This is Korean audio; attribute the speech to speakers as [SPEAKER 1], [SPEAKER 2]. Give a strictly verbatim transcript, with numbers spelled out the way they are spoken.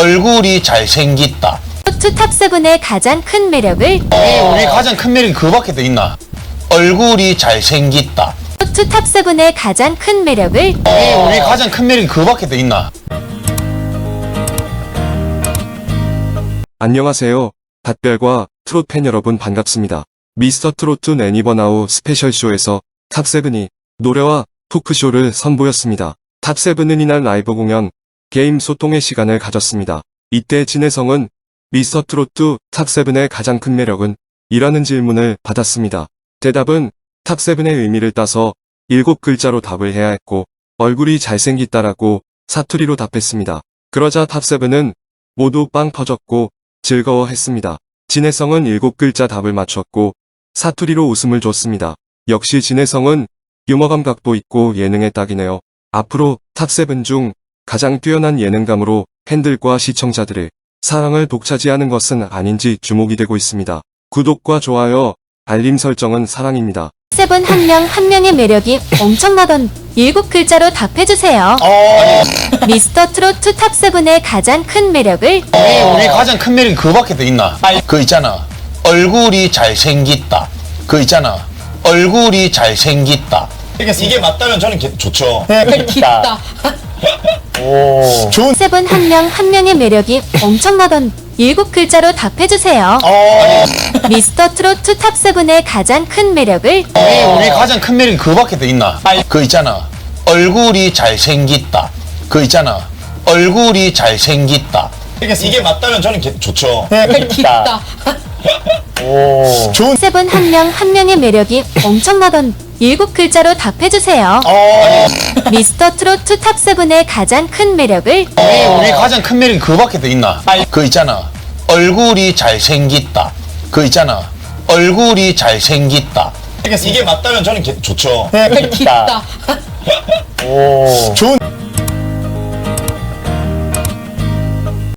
[SPEAKER 1] 얼굴이 잘생겼다.
[SPEAKER 2] 트로트 탑세븐의 가장 큰 매력을
[SPEAKER 1] 우리 가장 큰 매력이 그거밖에 더 있나? 얼굴이 잘생겼다.
[SPEAKER 2] 트로트 탑세븐의 가장 큰 매력을
[SPEAKER 1] 우리 가장 큰 매력이 그거밖에 더 있나?
[SPEAKER 3] 안녕하세요. 닷별과 트롯 팬 여러분 반갑습니다. 미스터 트로트 애니버나우 스페셜쇼에서 탑세븐이 노래와 토크쇼를 선보였습니다. 탑세븐은 이날 라이브 공연, 게임 소통의 시간을 가졌습니다. 이때 진혜성은 미스터 트로트 탑세븐의 가장 큰 매력은? 이라는 질문을 받았습니다. 대답은 탑세븐의 의미를 따서 일곱 글자로 답을 해야 했고 얼굴이 잘생겼다라고 사투리로 답했습니다. 그러자 탑세븐은 모두 빵 터졌고 즐거워했습니다. 진혜성은 일곱 글자 답을 맞췄고 사투리로 웃음을 줬습니다. 역시 진혜성은 유머 감각도 있고 예능의 딱이네요. 앞으로 탑세븐 중 가장 뛰어난 예능감으로 팬들과 시청자들의 사랑을 독차지하는 것은 아닌지 주목이 되고 있습니다. 구독과 좋아요, 알림 설정은 사랑입니다.
[SPEAKER 2] 세븐 한 명 한 명의 매력이 엄청나던 일곱 글자로 답해주세요. 미스터 트로트 탑세븐의 가장 큰 매력을
[SPEAKER 1] 우리 가장 큰 매력이 그거밖에 더 있나? 그 있잖아. 얼굴이 잘생겼다. 그 있잖아. 얼굴이 잘생겼다.
[SPEAKER 4] 이게 맞다면 저는 개- 좋죠.
[SPEAKER 5] 기다.
[SPEAKER 4] 좋은
[SPEAKER 2] 세븐 한 명 한 명의 매력이 엄청나던 일곱 글자로 답해주세요. 미스터 트로트 탑세븐의 가장 큰 매력을
[SPEAKER 1] 우리 가장 큰 매력이 그거밖에 더 있나? 그 있잖아. 얼굴이 잘생겼다. 그 있잖아. 얼굴이 잘생겼다.
[SPEAKER 4] 이게 맞다면 저는 개- 좋죠.
[SPEAKER 5] 기다.
[SPEAKER 4] 좋은
[SPEAKER 2] 세븐 한 명 한 명의 매력이 엄청나던 일곱 글자로 답해주세요. 미스터 트로트 탑세븐의 가장 큰 매력을
[SPEAKER 1] 우리 가장 큰 매력이 그거밖에 더 있나? 그 있잖아. 얼굴이 잘생겼다. 그 있잖아. 얼굴이 잘생겼다.
[SPEAKER 4] 이게 맞다면 저는 개- 좋죠.
[SPEAKER 5] 기다.
[SPEAKER 4] 좋은